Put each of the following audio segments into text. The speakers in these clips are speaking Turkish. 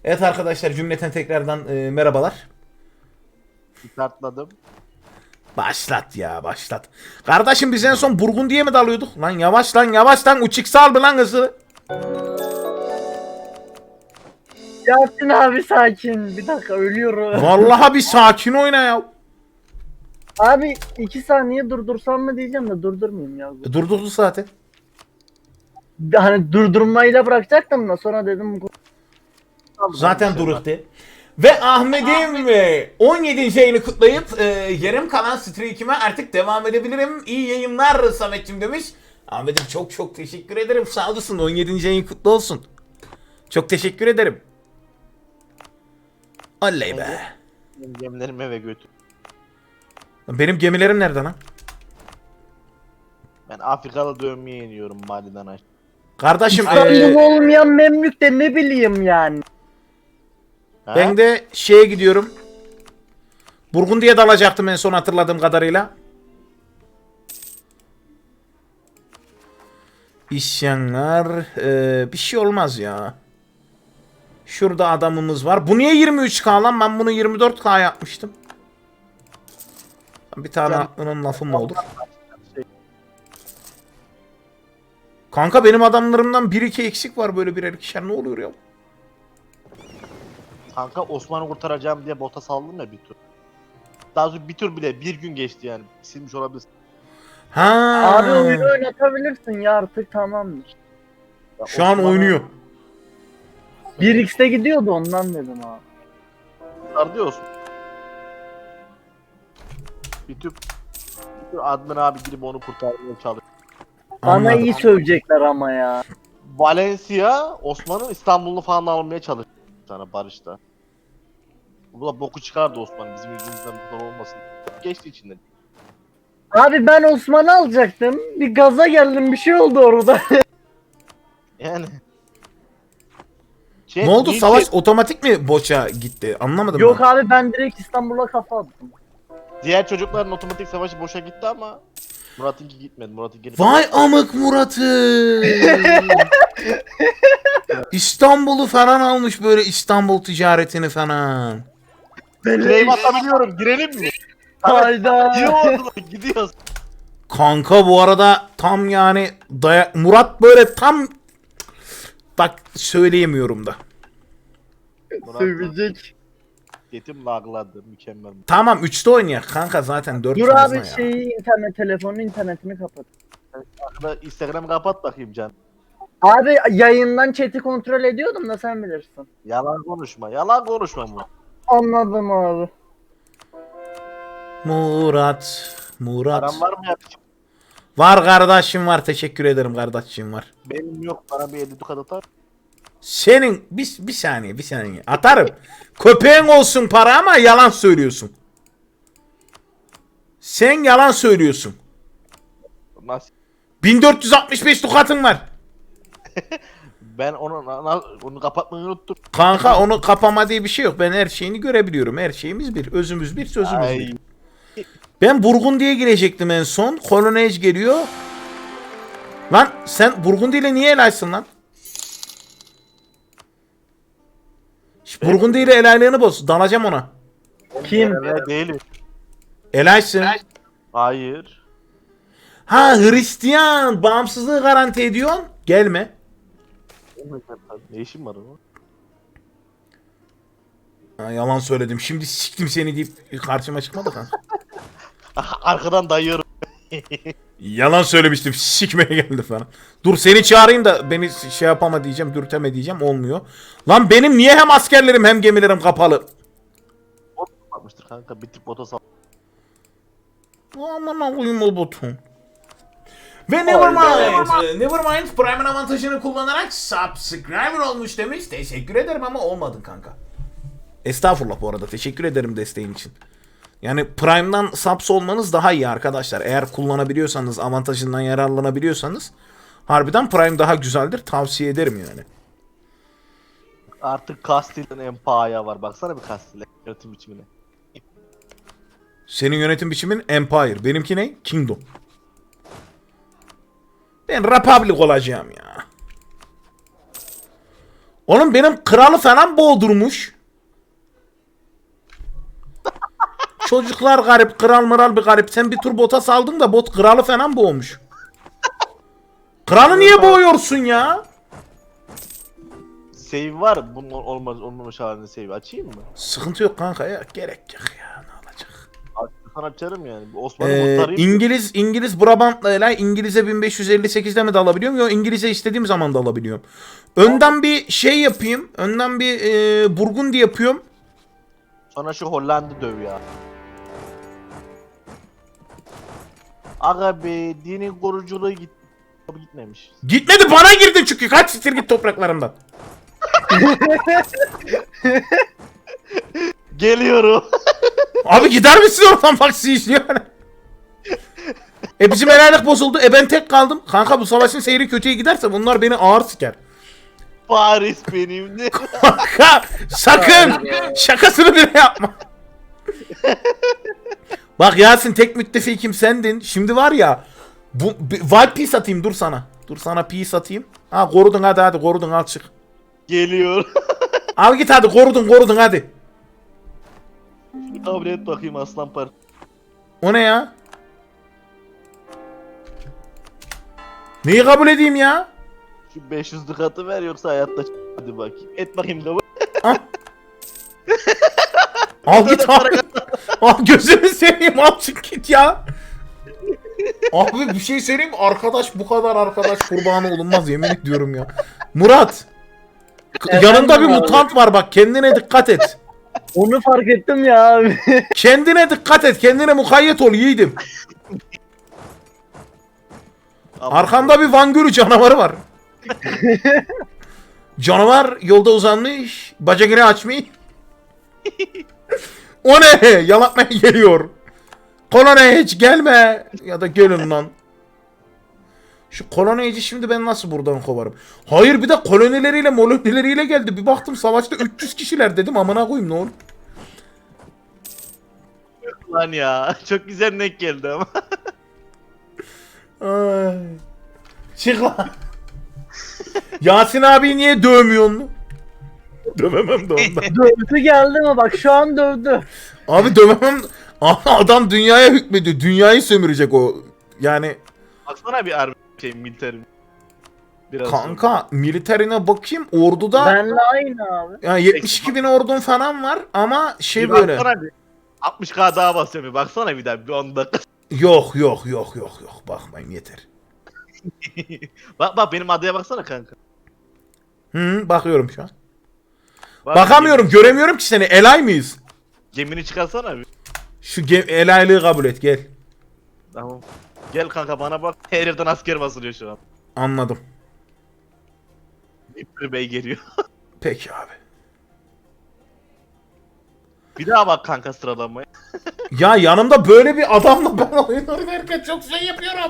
Evet arkadaşlar cümleten tekrardan merhabalar. Kartladım. Başlat ya başlat. Kardeşim biz en son Burgundy'ye mi dalıyorduk? Lan yavaş lan yavaş lan uçik sal mı lan hızı? Yasin abi sakin. Bir dakika ölüyorum. Vallahi bir sakin oyna ya. Abi 2 saniye durdursam mı diyeceğim de durdurmayayım ya. Durdurdu zaten. Hani durdurmayla bırakacaktım da sonra dedim. Zaten dururdu. Ve Ahmet'im 17. yayını kutlayıp yarım kalan streak'ime artık devam edebilirim. İyi yayınlar Samet'cim demiş. Ahmet'im çok çok teşekkür ederim. Sağ olasın. 17. yayın kutlu olsun. Çok teşekkür ederim. Oley be. Benim gemilerimi eve götür. Benim gemilerim nerede lan? Ben Afrikalı dövmeye iniyorum Mali'den aşağı. Kardeşim İstanbul olmayan Memlük de ne bileyim yani. Ha? ben de şeye gidiyorum. Burgundy'ye dalacaktım en son hatırladığım kadarıyla. İsyanlar bir şey olmaz ya. Şurada adamımız var. Bu niye 23K lan? Ben bunu 24K yapmıştım. Bir tane aklının lafı mı olur? Kanka benim adamlarımdan 1-2 eksik var böyle birer ikişer. Ne oluyor ya? Kanka Osman'ı kurtaracağım diye bota saldım ya bir tur. Daha sonra bir tur bile bir gün geçti yani. Silmiş olabilirsin. Ha. Abi oyunu oynatabilirsin ya artık tamamdır. Ya Şu an Osman'ı oynuyor. 1x'te gidiyordu ondan dedim abi. kurtardı Osman. Bir tur admin abi gidip onu kurtarmaya çalıştı. Bana Anladım. iyi sövecekler ama ya. Valencia Osman'ın İstanbul'u falan almaya çalıştı sana barışta. Bu da boku çıkardı Osman bizim yüzümüzden bu kadar olmasın. Geçti içinden. Abi ben Osman'ı alacaktım. Bir gaza geldim bir şey oldu orada. Yani. Ne oldu? niye Savaş otomatik mi boşa gitti? Anlamadım Yok ben. abi ben direkt İstanbul'a kafa attım. Diğer çocukların otomatik savaşı boşa gitti ama Murat'ınki gitmedi. Murat'ınki Vay amık Murat'ı. İstanbul'u falan almış böyle İstanbul ticaretini falan. Claim atabiliyorum. Girelim mi? Hayda. Gidiyoruz. Kanka bu arada tam yani Murat böyle tam bak söyleyemiyorum da. Murat Sövecek. yetim lagladı. Mükemmel. Tamam 3'te oynayak kanka zaten 4 Dur fazla abi ya. telefonun internetini kapat. Arkada Instagram'ı kapat bakayım Can. Abi yayından chat'i kontrol ediyordum da sen bilirsin. Yalan konuşma. Yalan konuşma Murat. Anladım abi. Murat. Param var mı ya? Var kardeşim var teşekkür ederim kardeşim var. Benim yok. Bana bir 50 dukat atar. Senin bir saniye atarım. Köpeğin olsun para ama yalan söylüyorsun. Sen yalan söylüyorsun. Nasıl? 1465 dukatın var. Ben onu kapatmayı unuttum. Kanka onu kapama diye bir şey yok. Ben her şeyini görebiliyorum. Her şeyimiz bir. Özümüz bir, sözümüz Ay. bir. Ben Burgundy'ye girecektim en son. Colonnade geliyor. Lan sen Burgundy ile niye helaysın lan? Burgundy ile helaylığını boz. Dalacağım ona. Kim? Değilim. Helaysın. Hayır. Ha Hristiyan. Bağımsızlığı garanti ediyorsun. Gelme. Ne işin var onun? Ha, yalan söyledim. Şimdi siktim seni deyip karşıma çıkmadı kanka. Arkadan dayıyorum. Yalan söylemiştim. Sikmeye geldi falan. Dur seni çağırayım da beni şey yapama diyeceğim. Dürteme diyeceğim. Olmuyor. Lan benim niye hem askerlerim hem gemilerim kapalı? Yapmıştır kanka. Bir tık bota sal. Aman koyayım o botun. Ve Nevermind Prime'ın avantajını kullanarak subscriber olmuş demiş. Teşekkür ederim ama olmadın kanka. Estağfurullah bu arada. Teşekkür ederim desteğin için. Yani Prime'dan subs olmanız daha iyi arkadaşlar. Eğer kullanabiliyorsanız, avantajından yararlanabiliyorsanız harbiden Prime daha güzeldir. Tavsiye ederim yani. Artık Castile'ın Empire'a var. Baksana bir Castile yönetim biçimine. Senin yönetim biçimin Empire. Benimki ne? Kingdom. Ben Republic olacağım ya. Oğlum benim kralı falan boğdurmuş. Çocuklar garip, kral mıral bir garip. Sen bir tur bota saldın da bot kralı falan boğmuş. Kralı niye boğuyorsun ya? Save var. Bunun olmamış halinde save açayım mı? Sıkıntı yok kanka ya. Gerek yok ya. Ne olacak? Sana açarım yani. Osman'ı kurtarayım. İngiliz Brabant'la İngiliz'e 1558'de mi dalabiliyorum? Yok, İngiliz'e istediğim zaman da alabiliyorum. Önden bir şey yapayım. Önden bir Burgundi yapıyorum. Sonra şu Hollanda döv ya. Aga be dinin koruculuğu gitmemiş. Gitmedi, bana girdin çünkü. Kaç siktir git topraklarımdan. Geliyorum. Abi gider misin oradan, bak işliyor. Bizim helallik bozuldu. Ben tek kaldım. Kanka bu savaşın seyri kötüye giderse bunlar beni ağır siker. Paris benimdi. Kanka sakın şakasını bile yapma. Bak Yasin, tek müttefikim sendin. Şimdi var ya, Wild Peace atayım, dur sana. Dur sana peace atayım. Ha korudun, hadi korudun, al çık. Geliyor. Al git hadi, korudun hadi. Kabul et bakayım aslan par. O ne ya? Neyi kabul edeyim ya? Şu 500'lük atı ver yoksa hayatta hadi bakayım. Et bakayım kabul. Al git abi. Al gözünü seveyim, al çık git ya. Abi bir şey söyleyeyim mi? Arkadaş bu kadar arkadaş kurbanı olunmaz, yemin ediyorum ya. Murat. Yanında bir abi. mutant var bak, kendine dikkat et. Onu fark ettim ya abi. Kendine dikkat et, kendine mukayyet ol yiğidim. Arkanda bir Van Gölü canavarı var. Canavar yolda uzanmış, bacakını açmış. O ne? Yalatmaya geliyor. Koloniye hiç gelme. Ya da gelin lan. Şu koloniyici şimdi ben nasıl buradan kovarım? Hayır, bir de kolonileriyle geldi. Bir baktım savaşta 300 kişiler, dedim amına koyayım, ne olur. Lan ya çok güzel denk geldi ama. Ay. Çık lan. Yasin abi niye dövmüyorsun? Dövemem de ondan. Dövdü geldi mi bak, şu an dövdü. Abi dövemem. Adam dünyaya hükmediyor. Dünyayı sömürecek o. Yani Baksana bir militer. Biraz kanka militerine bakayım, orduda Benle aynı abi. yani 72 bin ordun falan var ama şey Bir böyle. baksana bir. 60k daha basıyorum bir baksana bir daha bir 10 dakika. Yok. Bakmayın yeter. Bak benim adaya baksana kanka. Bakıyorum şu an. Bak, Bakamıyorum, göremiyorum ki seni. Elay mıyız? Gemini çıkarsana bir. Şu elaylığı kabul et, gel. Tamam. Gel kanka bana bak. Her yerden asker basılıyor şu an. Anladım. İpri Bey geliyor. Peki abi. Bir daha bak kanka sıralamaya. Ya yanımda böyle bir adamla ben oyun oynarken çok şey yapıyorum.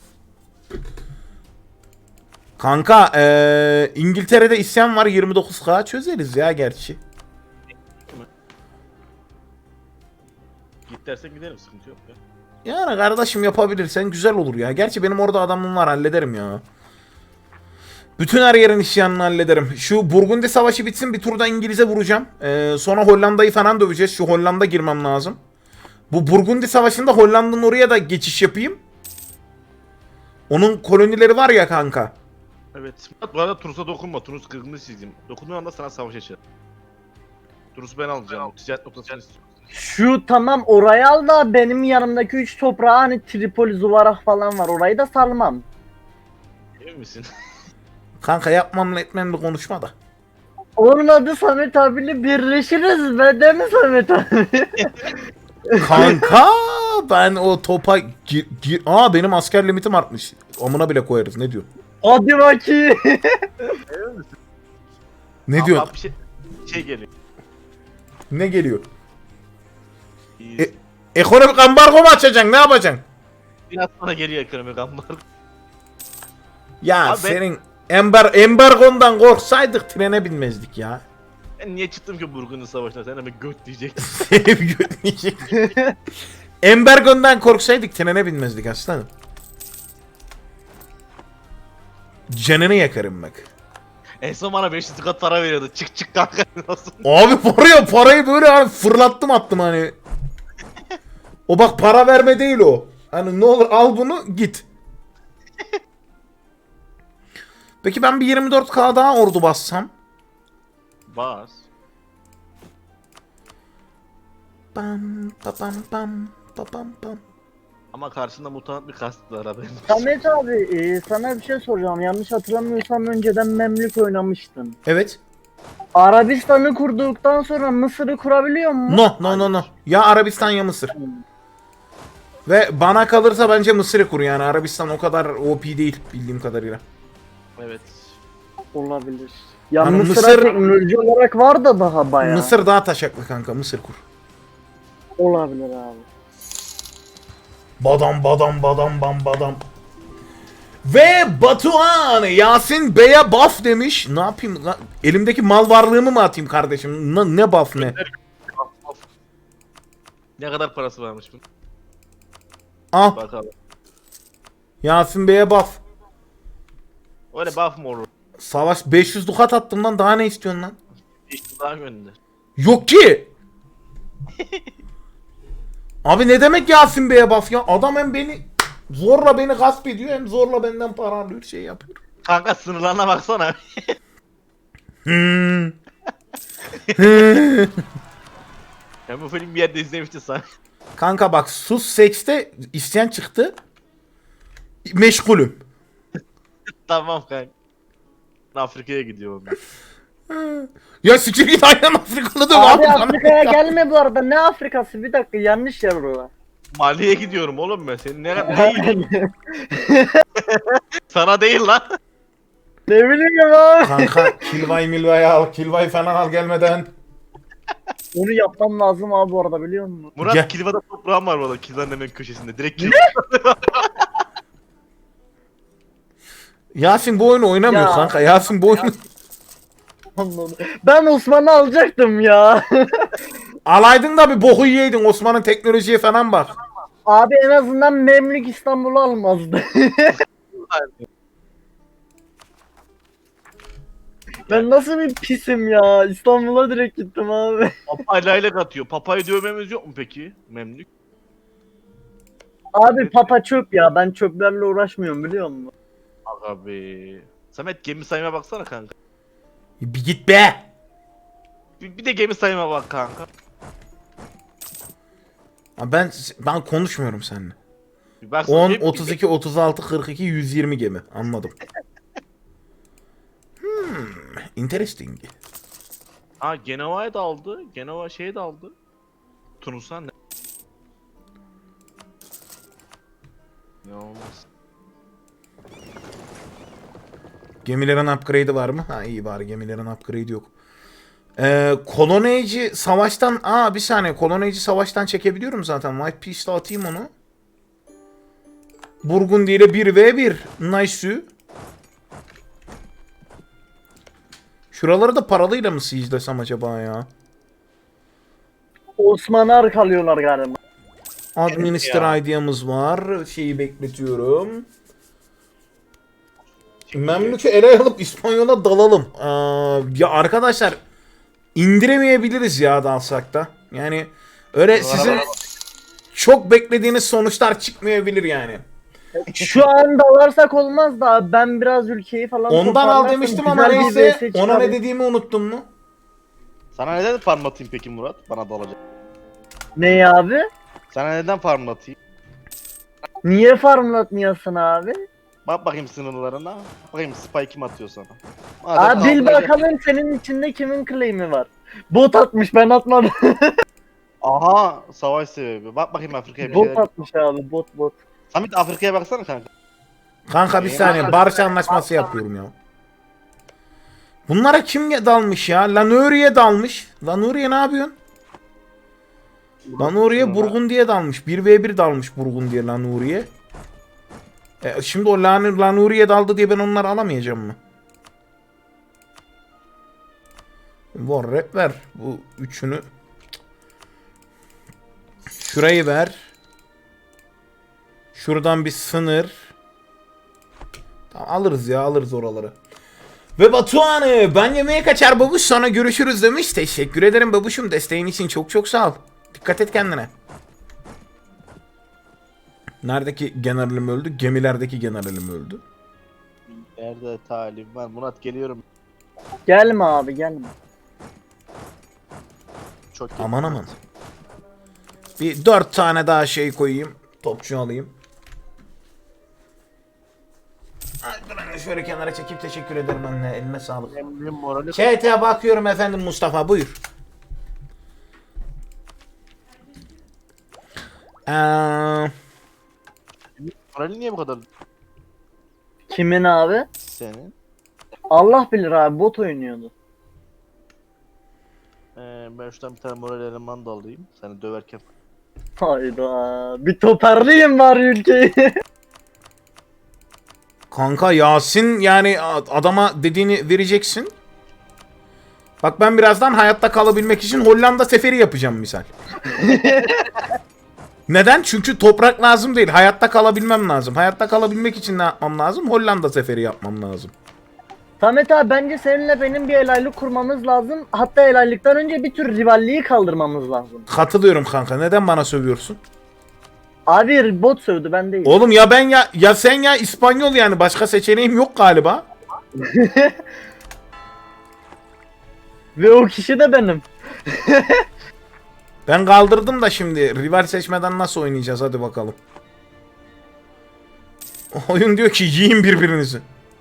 Kanka İngiltere'de isyan var, 29K çözeriz ya gerçi. Git dersen gidelim sıkıntı yok ya. Yani kardeşim yapabilirsen güzel olur ya. Gerçi benim orada adamım var, hallederim ya. Bütün her yerin isyanını hallederim. Şu Burgundi savaşı bitsin, bir turda İngiliz'e vuracağım. Sonra Hollanda'yı falan döveceğiz. Şu Hollanda girmem lazım. Bu Burgundi savaşında Hollanda'nın oraya da geçiş yapayım. Onun kolonileri var ya kanka. Evet. Bu arada Tunus'a dokunma. Tunus kırgını çizdim. Dokunduğun anda sana savaş açar. Tunus'u ben alacağım. Ticaret noktasını istiyorum. Şu tamam, orayı al da benim yanımdaki 3 toprağı, hani Tripoli, Zuvarah falan var, orayı da salmam. Emin misin? Kanka yapmamla etmemle konuşma da. Olmadı Samet abiyle birleşiriz be, değil mi Samet abi? Kanka ben o topa benim asker limitim artmış. Amına bile koyarız, ne diyor? Hadi bakayım. Ne Ama diyor? bir şey geliyor. Ne geliyor? Ekonomik ambargo mu açacaksın, ne yapacaksın? Biraz sonra geliyor ekonomik ambargo. Ya Abi senin embargondan korksaydık trene binmezdik ya. Ben niye çıktım ki Burgundy Savaşı'na? Sen hemen göt diyeceksin. Seni bir götürecek. Embargondan korksaydık trene binmezdik aslanım. Canını yakarım bak. En son bana 500 kat para veriyordu. Çık çık kanka. Nasıl? Abi parayı böyle hani fırlattım attım hani. O bak para verme değil o. Hani ne olur al bunu git. Peki ben bir 24K daha ordu bassam? Bas. Pam pam pam pam pam. Ama karşında mutant bir kast var haberin. Samet abi sana bir şey soracağım. Yanlış hatırlamıyorsam önceden Memlük oynamıştın. Evet. Arabistan'ı kurduktan sonra Mısır'ı kurabiliyor musun? No. Ya Arabistan ya Mısır. Ve bana kalırsa bence Mısır'ı kur yani. Arabistan o kadar OP değil bildiğim kadarıyla. Evet. Olabilir. Ya Hani Mısır'a Mısır- teknoloji olarak var da daha bayağı. Mısır daha taşaklı kanka. Mısır kur. Olabilir abi. Badam badam badam bam badam. Ve Batuhan Yasin Bey'e buff demiş. Ne yapayım lan? Elimdeki mal varlığımı mı atayım kardeşim? Ne buff ne? Ne kadar parası varmış bunun? Al. Bakalım. Yasin Bey'e buff. Öyle buff mı olur? Savaş 500 dukat attım lan. Daha ne istiyorsun lan? İşte daha gönder. Yok ki. Abi ne demek Yasin Bey'e buff ya? Adam hem beni gasp ediyor hem zorla benden para alıyor şey yapıyor. Kanka sınırlarına baksana. Hmm. Ben bu film bir yerde izlemiştim sana. Kanka bak sus sekste isyan çıktı. Meşgulüm. Tamam kanka. Afrika'ya gidiyorum ben. Ya sikir git aynen Afrikalı da Abi bana. Afrika'ya gelme bu arada. Ne Afrikası? Bir dakika yanlış yer orada. Mali'ye gidiyorum oğlum ben. Senin ne değil. Sana değil lan. Ne bileyim abi. Kanka Kilvay Milvay al. Kilvay falan al gelmeden. Onu yapmam lazım abi bu arada biliyor musun? Murat Gel. Kilva'da toprağım var valla. Kilva'nın hemen köşesinde. Direkt Kilva. Yasin bu oyunu oynamıyor Ya. kanka. Yasin bu oyunu... Anladım. Ben Osman'ı alacaktım ya. Alaydın da bir boku yiyeydin. Osman'ın teknolojiye falan bak. Abi en azından Memlük İstanbul'u almazdı. Ben nasıl bir pisim ya. İstanbul'a direkt gittim abi. Papayla ile atıyor. Papayı dövmemiz yok mu peki? Memlük. Abi papa çöp ya. Ben çöplerle uğraşmıyorum biliyor musun? Aga be. Samet gemi sayıma baksana kanka. Bir git be. Bir de gemi sayıma bak kanka. Ha, ben konuşmuyorum seninle. Bir baksana, 10, gemi- 32, 36, 42, 120 gemi. Anladım. Interesting. Ha Genova'ya da aldı. Genova şeye de aldı. Tunus'a ne? Ne olmaz. Gemilerin upgrade'i var mı? Ha iyi bari gemilerin upgrade'i yok. Koloneci savaştan... bir saniye. Koloneci savaştan çekebiliyorum zaten. White Peace'de atayım onu. Burgundy ile 1v1. Nice. Şuraları da paralıyla mı siege'lesem acaba ya? Osman'ı arkalıyorlar galiba. Administer ID'miz var. Şeyi bekletiyorum. Memlük'ü ele alıp İspanyol'a dalalım. Ya arkadaşlar indiremeyebiliriz ya dalsak da. Yani öyle sizin çok beklediğiniz sonuçlar çıkmayabilir yani. Şu an dalarsak olmaz da ben biraz ülkeyi falan Ondan al toparlarsam demiştim ama güzel bir neyse. VS Ona ne çıkarım. dediğimi unuttun mu? Sana neden farm atayım peki Murat? Bana dalacak. Ne abi? Sana neden farm atayım? Niye farmlatmıyorsun abi? Bak bakayım sınırlarına. Bak bakayım spy kim atıyor sana. Abi bil kaldıracak- bakalım senin içinde kimin claim'i var. Bot atmış ben atmadım. Aha savaş sebebi. Bak bakayım Afrika'ya bir Bot şeyler. atmış abi bot. Samet Afrika'ya baksana kanka. Kanka bir saniye barış anlaşması yapıyorum ya. Bunlara kim dalmış ya? Lanuri'ye dalmış. Lanuri'ye ne yapıyorsun? Lanuri'ye Burgundy'ye dalmış. 1v1 dalmış Burgundy'ye Lanuri'ye. Şimdi o Lanuri'ye daldı diye ben onları alamayacağım mı? War rap ver. Bu üçünü. Şurayı ver. Şuradan bir sınır. Tamam alırız ya alırız oraları. Ve Batuhan ben yemeğe kaçar babuş sonra görüşürüz demiş. Teşekkür ederim babuşum, desteğin için çok çok sağ ol. Dikkat et kendine. Neredeki generalim öldü? Gemilerdeki generalim öldü. Nerede talim var? Murat geliyorum. Gelme abi gelme. Çok iyi. Aman aman. Bir 4 tane daha şey koyayım. Topçu alayım. Dur anne, şöyle kenara çekip teşekkür ederim anne. Eline sağlık. Emrin morali. Chat'e bakıyorum efendim Mustafa, buyur. Morali niye bu kadar Kimin abi? senin? Allah bilir abi, bot oynuyordu. Ben şuradan bir tane moral eleman da alayım. Seni döverken. Hayda. Bir toparlayayım bari ülkeyi. Kanka Yasin, yani adama dediğini vereceksin. Bak ben birazdan hayatta kalabilmek için Hollanda seferi yapacağım misal. Neden? Çünkü toprak lazım değil. Hayatta kalabilmem lazım. Hayatta kalabilmek için ne yapmam lazım? Hollanda seferi yapmam lazım. Samet abi, bence seninle benim bir helallik kurmamız lazım. Hatta helallikten önce bir tür rivalliği kaldırmamız lazım. Katılıyorum kanka. Neden bana sövüyorsun? Abi bot sövdü, ben değil. Oğlum ya ben ya sen ya İspanyol, yani başka seçeneğim yok galiba. Ve o kişi de benim. Ben kaldırdım da şimdi rival seçmeden nasıl oynayacağız, hadi bakalım. Oyun diyor ki yiyin birbirinizi.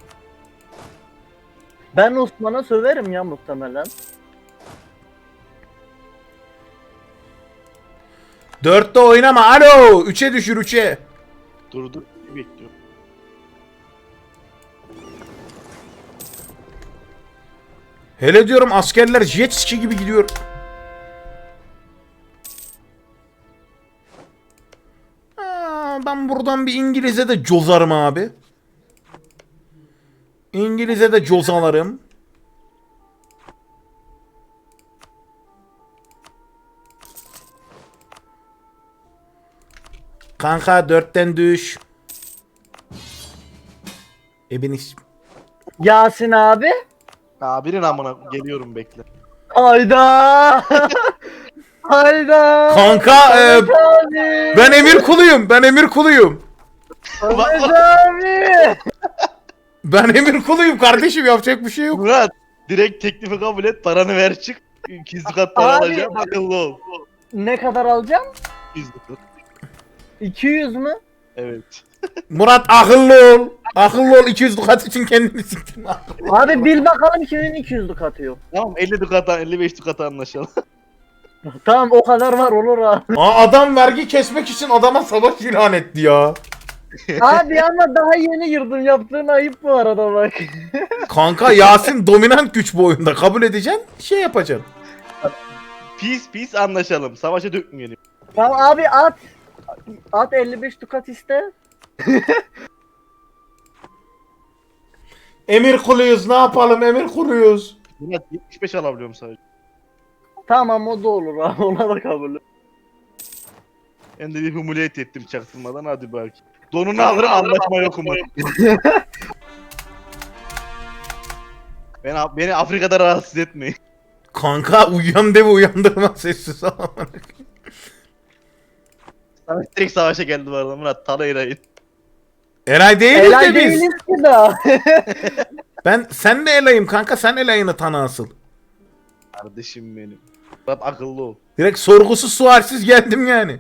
Ben Osman'a söverim ya muhtemelen. 4'te oynama, alo 3'e düşür 3'e. Dur bekliyorum. Hele diyorum askerler jet ski gibi gidiyor. Ben buradan bir İngiliz'e de cozarım abi. İngiliz'e de cozalarım. Kanka 4'ten düş. Ebeniz. Yasin abi. Abinin amına geliyorum bekle. Hayda. Hayda. Kanka Samet abi. ben emir kuluyum. Ben emir kuluyum. Samet abi. Ben emir kuluyum kardeşim, yapacak bir şey yok. Murat direkt teklifi kabul et, paranı ver çık. 200 kat para Abi. alacağım, akıllı ol. Ne kadar alacağım? 200 kat. 200 mü? Evet. Murat akıllı ol. Akıllı ol, 200 dukat için kendini siktin. Abi bil bakalım kimin 200'lük atıyor. Tamam 50 dukata 55 dukata anlaşalım. Tamam, o kadar var, olur abi. Adam vergi kesmek için adama savaş ilan etti ya. Abi ama daha yeni girdim, yaptığın ayıp bu arada bak. Kanka Yasin dominant güç bu oyunda, kabul edeceksin, şey yapacaksın. Peace anlaşalım. Savaşa dökmeyelim. Tamam abi, at. At 55 dukat iste. Emir kuluyuz, ne yapalım, emir kuluyuz. Murat 75 alabiliyorum sadece. Tamam, o da olur abi, ona da kabul. Ben de bir humuliyet ettim çaktırmadan, hadi belki. Donunu alırım, anlaşma yok mu? Beni Afrika'da rahatsız etmeyin. Kanka uyuyan devi uyandırma, sessiz ol. Sana direkt savaşa geldi bu arada Murat, talaylayın. Eray değiliz Helal de biz. değiliz ki daha. Sen de Elay'ım kanka, sen Elay'ını tanı asıl. Kardeşim benim. Murat akıllı ol. Direkt sorgusuz sualsiz geldim yani.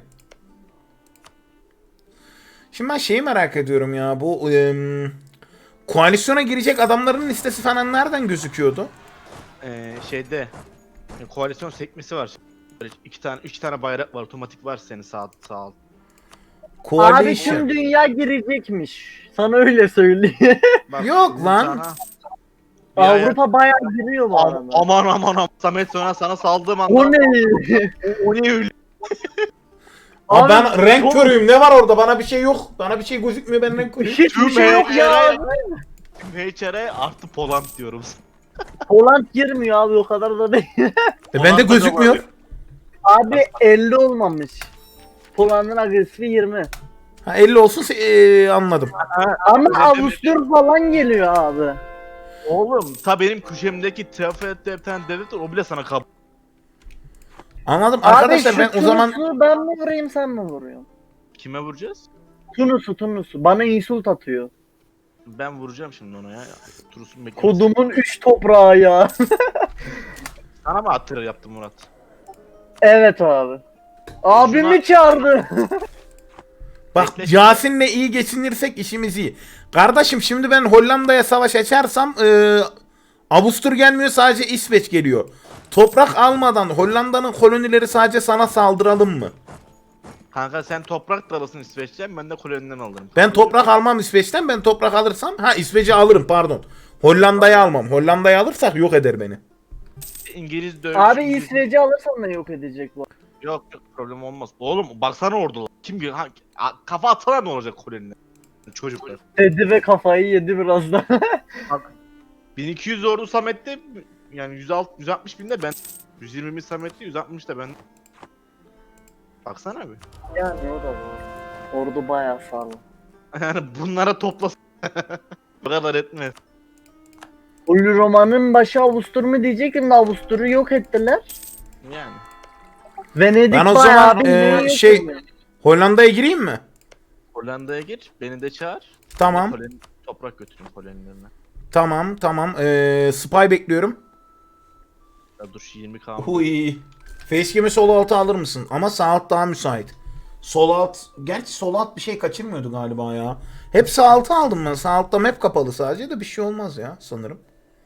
Şimdi ben şeyi merak ediyorum ya, bu koalisyona girecek adamların listesi falan nereden gözüküyordu? Şeyde koalisyon sekmesi var. Böyle 3 tane bayrak var, otomatik var senin sağ alt. Abi Coalition. tüm dünya girecekmiş. Sana öyle söyleyeyim. Bak, Yok bizim lan. sana- Ya, Avrupa bayağı giriyor bu arada. aman Samet sana saldığım anda. O ne? O ne öyle? Aa, ben Abi, renk çok- körüyüm, ne var orada, bana bir şey yok. Bana bir şey gözükmüyor, ben renk körüyüm. Hiçbir şey yok ya. Tüm HR'e artı Poland diyorum. Poland girmiyor abi, o kadar da değil. Bende gözükmüyor. Abi 50 olmamış. Poland'ın agresifi 20. Ha 50 olsun anladım. Ama Öyle Avusturya falan geliyor abi. Oğlum ta benim köşemdeki Trafford'da bir tane devlet var, o bile sana kabul. Anladım Abi arkadaşlar, şu ben o zaman Tunus'u ben mi vurayım sen mi vuruyorsun? Kime vuracağız? Tunus'u. Bana insult atıyor. Ben vuracağım şimdi ona ya. Turus'un beklemesi. Kodumun 3 toprağı ya. Sana mı attırır yaptım Murat? Evet abi. Abimi çağırdı. bak Bekle. Yasin'le iyi geçinirsek işimiz iyi. Kardeşim şimdi ben Hollanda'ya savaş açarsam Avustur gelmiyor, sadece İsveç geliyor. Toprak almadan Hollanda'nın kolonileri sadece sana saldıralım mı? Kanka sen toprak da alırsın İsveç'ten, ben de koloniden alırım. Ben toprak almam İsveç'ten, ben toprak alırsam İsveç'i alırım pardon. Hollanda'yı almam. Hollanda'yı alırsak yok eder beni. İngiliz dövüş. Abi İsveç'i alırsan da yok edecek bu. Yok problem olmaz. Oğlum baksana ordular. Kafa atana ne olacak kolonine? Çocuklar. Dedi ve kafayı yedi birazdan. 1200 ordu Samet'te, yani 160 binde ben, 120 bin Samet'te, 160 da ben. Baksana abi. Yani o da var. Ordu bayağı sağlam. Yani bunlara toplasın. Bu kadar etmez. Ulu romanın başı Avustur mu diyecektim de Avustur'u yok ettiler. Yani. Venedik Ben o bayağı zaman, bir yok şey- ediyor. Hollanda'ya gireyim mi? Hollanda'ya gir, beni de çağır. Tamam. Toprak götürün kolonilerine. Tamam. Spy bekliyorum. Ya dur şu 20 kaldı. Huy. Facecam'i sol alta alır mısın? Ama sağ alt daha müsait. Sol alt, gerçi sol alt bir şey kaçırmıyordu galiba ya. Hep sağ alta aldım ben. Sağ altta map kapalı sadece, de bir şey olmaz ya sanırım.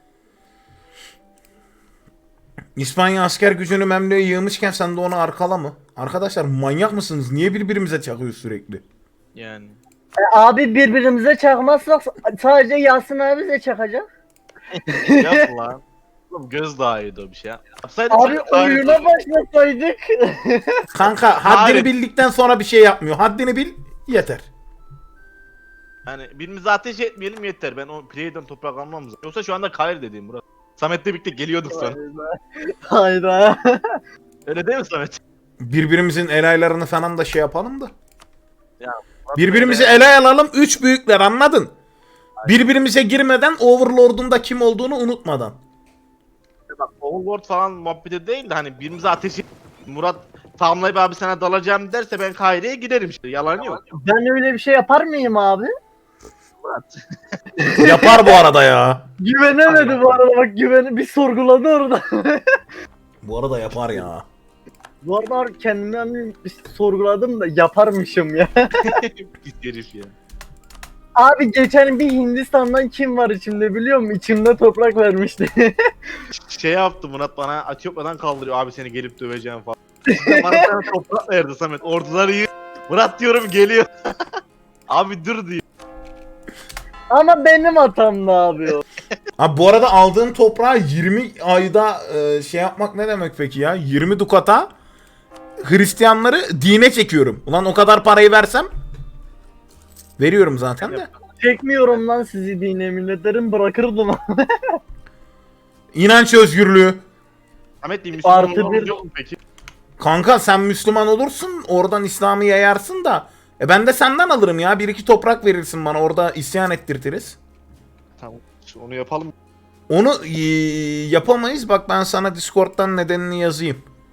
İspanya asker gücünü Memlü'ye yığmışken sen de onu arkala mı? Arkadaşlar manyak mısınız? Niye birbirimize çakıyoruz sürekli? Yani. Abi birbirimize çakmazsak sadece Yasin abi de çakacak. Yap lan. Oğlum gözdağıydı o bir şey. Yapsaydım Abi sen daha iyi oyuna olurdu. başlasaydık. Kanka haddini Hayır. bildikten sonra bir şey yapmıyor. Haddini bil yeter. Yani birbirimize ateş etmeyelim yeter. Ben o play'den toprak almam lazım. Yoksa şu anda Kair dediğim Murat. Samet'le birlikte geliyorduk sana. Hayda. Öyle değil mi Samet? Birbirimizin elaylarını falan da şey yapalım da. Ya, Birbirimizi elay alalım. Üç büyükler, anladın? Birbirimize girmeden Overlord'un da kim olduğunu unutmadan. Bak Overlord falan muhabbeti değil de hani birbirimize ateş et. Murat tamamlayıp abi sana dalacağım derse ben Kair'e giderim işte. Yalan yok. Ben öyle bir şey yapar mıyım abi? Murat. Yapar bu arada ya. Güvenemedi bu arada, bak bir sorguladı orada. Bu arada yapar ya. Bu arada kendimden bir sorguladım da yaparmışım ya. Git herif ya. Abi geçen bir Hindistan'dan kim var içimde biliyor musun? İçimde toprak vermişti. Şey yaptı Murat bana, Etiyopya'dan kaldırıyor abi seni gelip döveceğim falan. İşte bana sana toprak verdi Samet. Orduları iyi. Murat diyorum geliyor. Abi dur diyor. Ama benim hatamdı abi o. Abi bu arada aldığım toprağı 20 ayda şey yapmak ne demek peki ya? 20 dukata Hristiyanları dine çekiyorum. Ulan o kadar parayı versem veriyorum zaten de. Çekmiyorum lan sizi dine milletlerin, bırakırdım. İnanç özgürlüğü. Samet diyeyim Müslüman Artı olmamız bir- yok mu peki? Kanka sen Müslüman olursun, oradan İslam'ı yayarsın da. Ben de senden alırım ya. Bir iki toprak verirsin bana, orada isyan ettirtiriz. Tamam. Onu yapalım. Onu yapamayız. Bak ben sana Discord'dan nedenini yazayım.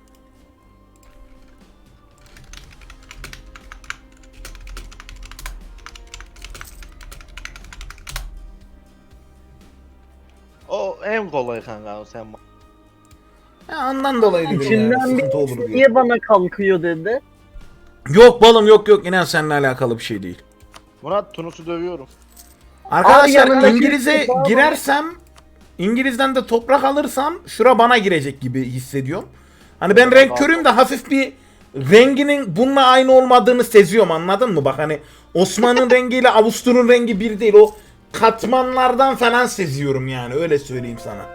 O en kolay kanka, o sen. Ya ondan dolayı dedim yani. İçimden Sıkıntı olur bir diye. niye bana kalkıyor dedi. Yok balım, yok. İnan seninle alakalı bir şey değil. Murat Tunus'u dövüyorum. Arkadaşlar yanındaki İngiliz'e toprağı girersem, İngiliz'den de toprak alırsam şura bana girecek gibi hissediyorum. Hani ben renk körüyüm de hafif bir renginin bununla aynı olmadığını seziyorum, anladın mı? Bak hani Osman'ın rengiyle Avustur'un rengi bir değil, o katmanlardan falan seziyorum yani, öyle söyleyeyim sana.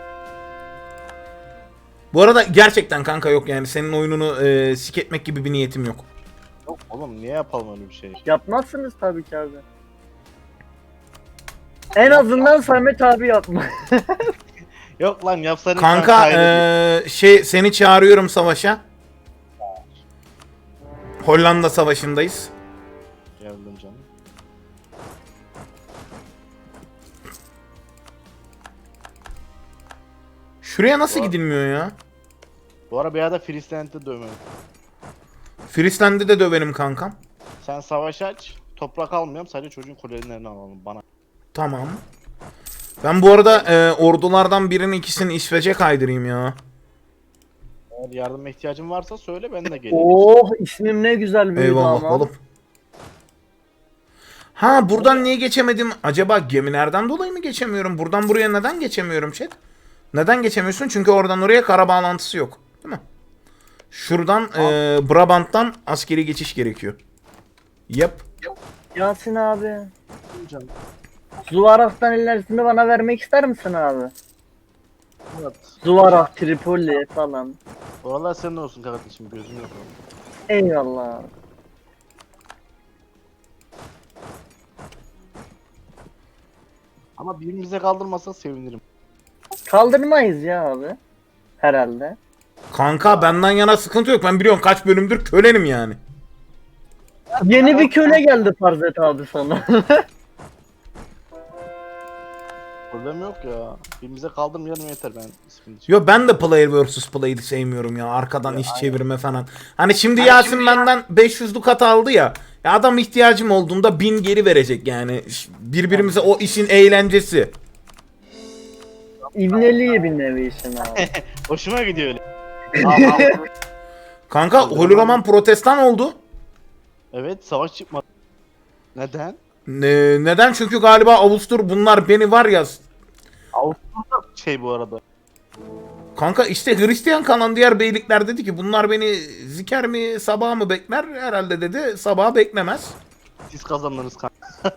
Bu arada gerçekten kanka yok yani, senin oyununu sik etmek gibi bir niyetim yok. Yok oğlum niye yapalım öyle bir şey? Yapmazsınız tabii ki abi. En azından Samet abi yapma. Yok lan yapsaydın Kanka seni çağırıyorum savaşa. Hollanda savaşındayız. Geldim canım. Şuraya nasıl Var. gidilmiyor ya? Bu ara bir arada Friesland'de dövmedim. Friesland'i de döverim kankam. Sen savaş aç. Toprak almıyorum. Sadece çocuğun kulelerini alalım bana. Tamam. Ben bu arada ordulardan birinin ikisini İsveç'e kaydırayım ya. Eğer yardıma ihtiyacın varsa söyle ben de geleyim. Oh ismim ne güzel büyüdü Eyvallah ama. oğlum. Ha buradan niye geçemedim? Acaba gemilerden dolayı mı geçemiyorum? Buradan buraya neden geçemiyorum chat? Neden geçemiyorsun? Çünkü oradan oraya kara bağlantısı yok. Değil mi? Şuradan Brabant'tan askeri geçiş gerekiyor. Yap. Yasin abi. Canım. Zuvarah'tan ilerisini bana vermek ister misin abi? Evet. Zuvarah, Tripoli falan. Oralar senin olsun kardeşim, gözüm yok. Eyvallah abi. Ama birbirimize kaldırmasa sevinirim. Kaldırmayız ya abi. Herhalde. Kanka benden yana sıkıntı yok. Ben biliyorum kaç bölümdür kölenim yani. Yeni bir köle geldi Farzet abi sana. Problem yok ya. Birbirimize kaldırmayalım yeter, ben ismini Yo ben de player vs play'ı sevmiyorum ya. Arkadan iş çevirme falan. Hani şimdi Yasin benden 500 dukat aldı ya. Ya adam ihtiyacım olduğunda 1000 geri verecek yani. Birbirimize o işin eğlencesi. İbneliği bir nevi işin abi. Hoşuma gidiyor öyle. Kanka Holoraman protestan oldu. Evet, savaş çıkmadı. Neden? Neden? Çünkü galiba Avustur bunlar beni var ya. Avustralya şey bu arada. Kanka işte Hristiyan kalan diğer beylikler dedi ki bunlar beni ziker mi sabah mı bekler? Herhalde dedi sabah beklemez. Siz kazandınız kanka.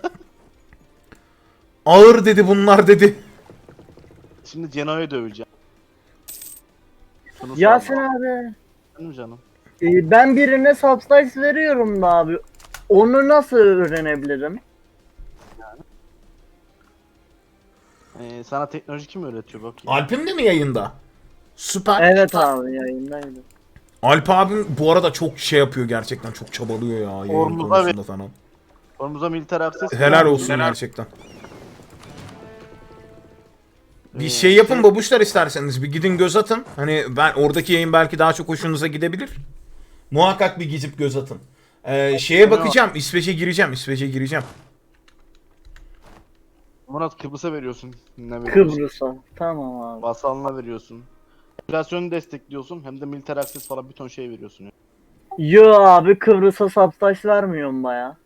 Ağır dedi bunlar dedi. Şimdi Genoa'yı döveceğim. Şunu Yasin sorma. abi. Benim canım. Ben birine subslice veriyorum da abi. Onu nasıl öğrenebilirim? Sana teknoloji kim öğretiyor bakayım? Alp'im de mi yayında? Süper. Evet abi yayındaydı. Alp abim bu arada çok şey yapıyor gerçekten çok çabalıyor ya yayın Ormuza konusunda falan. Ormuza militer akses. Helal olsun gerçekten. Bir şey yapın babuşlar isterseniz bir gidin göz atın. Hani ben oradaki yayın belki daha çok hoşunuza gidebilir. Muhakkak bir gidip göz atın. Şeye bakacağım İsveç'e gireceğim. Murat, Kıbrıs'a veriyorsun. Ne veriyorsun? Kıbrıs'a. Tamam abi. Vasalına veriyorsun. Enflasyonu destekliyorsun, hem de militer akses falan bir ton şey veriyorsun. Ya. Yo abi Kıbrıs'a subslice vermiyorum baya.